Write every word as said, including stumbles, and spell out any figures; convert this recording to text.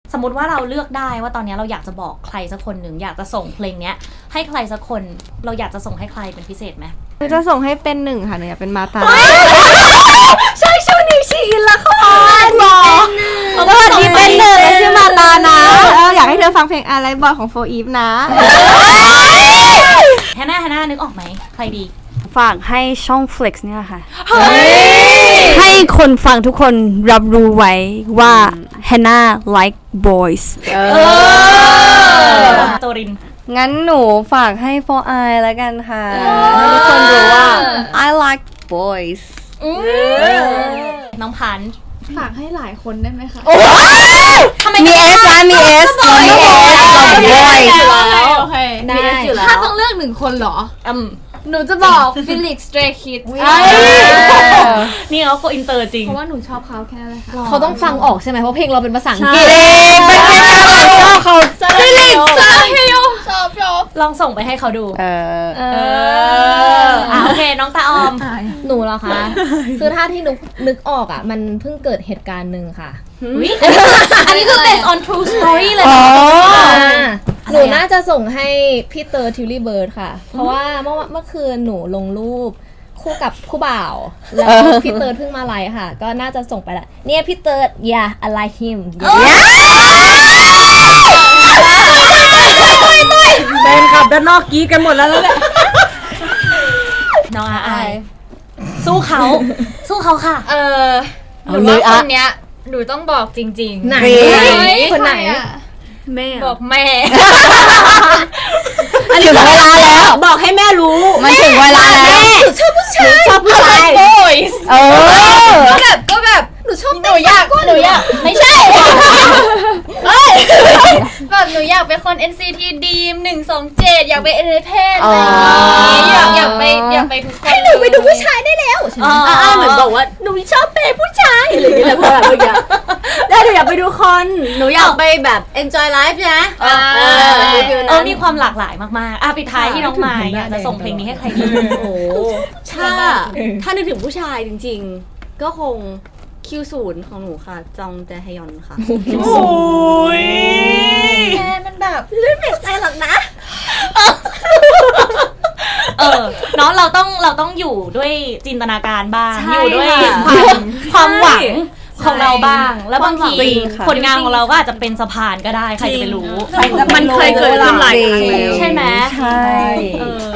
สมมติว่าเราเลือกได้ว่าตอนนี้เราอยากจะบอกใครสักคนหนึ่งอยากจะส่งเพลงเนี้ยให้ใครสักคนเราอยากจะส่งให้ใครเป็นพิเศษไหมหนูจะส่งให้เป็นหนึ่งค่ะหนูอยากเป็นมาตาใช่ช่วงนี้ชีอินละครหรอสวัสดีเป็นหนึ่งชื่อมาตานะอยากให้เธอฟังเพลงอะไรบอยของโฟอีฟนะแฮนน่าแฮนน่านึกออกไหมใครดีฝากให้ช่อง Flex นี่แหละค่ะให้คนฟังทุกคนรับรู้ไว้ว่า Hannah like boys โตรินงั้นหนูฝากให้ for I แล้วกันค่ะให้ทุกคนรู้ว่า I like boys น้องพันฝากให้หลายคนได้ไหมคะทำไมมี S นะมี S มี S เรา boys โอเคได้ถ้าต้องเลือกหนึ่งคนเหรออืมหนูจะบอกฟิลิกซ์ Stray Kids นี่เขาโกอินเตอร์จริงเพราะว่าหนูชอบเขาแค่เลยค่ะเขาต้องฟังออกใช่ไหมเพราะเพลงเราเป็นภาษาอังกฤษเป็นแค่การชอบเขาฟิลิกซ์ชอบชอบชอบลองส่งไปให้เขาดูเออเอออ่ะโอเคน้องตาออมหนูเหรอคะคือถ้าที่นึกนึกออกอ่ะมันเพิ่งเกิดเหตุการณ์หนึ่งค่ะอันนี้คือ based on true story เลยหนูน่าจะส่งให้พี่เตอร์ทิวลี่เบิร์ดค่ะเพราะว่าเมื่อเมื่อคืนหนูลงรูปคู่กับคู่บ่าวแล้วพี่เตอร์เพิ่งมาไลฟ์ค่ะก็น่าจะส่งไปละเนี่ยพี่เตอร์ yeah I like him เป็นขับด้านนอกกี้กันหมดแล้วแล้วแหละน้องอายสู้เขาสู้เขาค่ะเออหนูว่าคนเนี้ยหนูต้องบอกจริงๆไหนคนไหนแม่บอกแม่อันนี้ถึงเวลาแล้วบอกให้แม่รู้มันถึงเวลาแล้วชอบผู้ชายชอบผู้ชาย boys เออก็แบบก็แบบหนูชอบหนูอยากหนูอยากไม่ใช่แบบหนูอยากเป็นคน เอ็น ซี ที Dream หนึ่ง สอง เจ็ดอยากไปเอเนเพนอะไรอย่างงี้อยากอยากไปอยากไปทุกคนให้หนูไปดูผู้ชายได้แล้วอ่าเหมือนบอกว่าหนูชอบเป็นผู้ชายอะไรอย่างเงี้ยพอแบบเมื่อกี้แล้วหนูอยากไปดูคอนหนูอยากไปแบบ enjoy life นะเออเออมีความหลากหลายมากๆอ่ะปิดท้ายที่น้องมายอยากจะส่งเพลงนี้ให้ใครดีโอ้ถ้าถ้านึกถึงผู้ชายจริงๆก็คงคิวศูนย์ของหนูค่ะจองแจฮยอนค่ะโอ้ยแค่มันแบบไม่เปลี่ยนใจหรอกนะเออเนาะเราต้องเราต้องอยู่ด้วยจินตนาการบ้างอยู่ด้วยความความหวังของเราบ้างแล้วบางทีผลงานของเราก็อาจจะเป็นสะพานก็ได้ใครจะไปรู้มันเคยเกิดขึ้นหลายครั้งแล้วใช่ไหมใช่เออ